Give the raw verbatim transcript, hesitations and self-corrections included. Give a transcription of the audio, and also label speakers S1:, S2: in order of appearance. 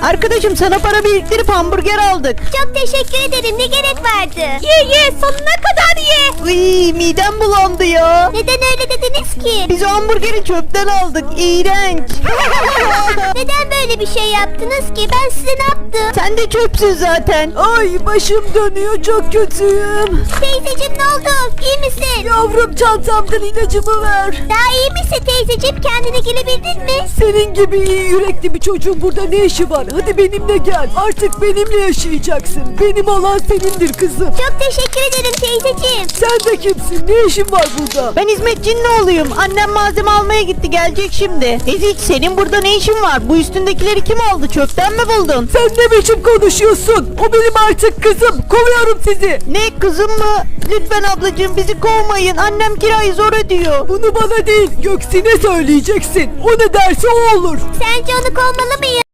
S1: Arkadaşım sana para biriktirip hamburger aldık.
S2: Çok teşekkür ederim. Ne gerek vardı? Ye ye sonuna kadar ye.
S1: Iy, midem bulandı ya.
S2: Neden öyle dediniz ki?
S1: Biz o hamburgeri çöpten aldık. İğrenç.
S2: Neden böyle bir şey yaptınız ki? Ben size ne yaptım?
S1: Sen de çöpsün zaten. Ay başım dönüyor, çok kötüyüm.
S2: Teyzeciğim ne oldu? İyi misin?
S1: Yavrum çantamdan ilacımı ver.
S2: Daha iyi misin teyzeciğim? Kendine gelebildin mi?
S1: Senin gibi iyi yürekli bir çocuğun burada ne işi var? Hadi benimle gel. Artık benimle yaşayacaksın. Benim olan senindir kızım.
S2: Çok teşekkür ederim teyzeciğim.
S1: Sen de kimsin? Ne işin var burada? Ben hizmetçinin oğluyum. Annem malzeme almaya gitti. Gelecek şimdi. Ezik, senin burada ne işin var? Bu üstündekileri kim aldı? Çöpten mi buldun? Sen ne biçim konuşuyorsun? O benim artık kızım. Kovuyorum sizi. Ne kızım mı? Lütfen ablacığım bizi kovmayın. Annem kirayı zor ödüyor. Bunu bana değil Göksin'e söyleyeceksin. O ne derse o olur.
S2: Sence onu kovmalı mıyım?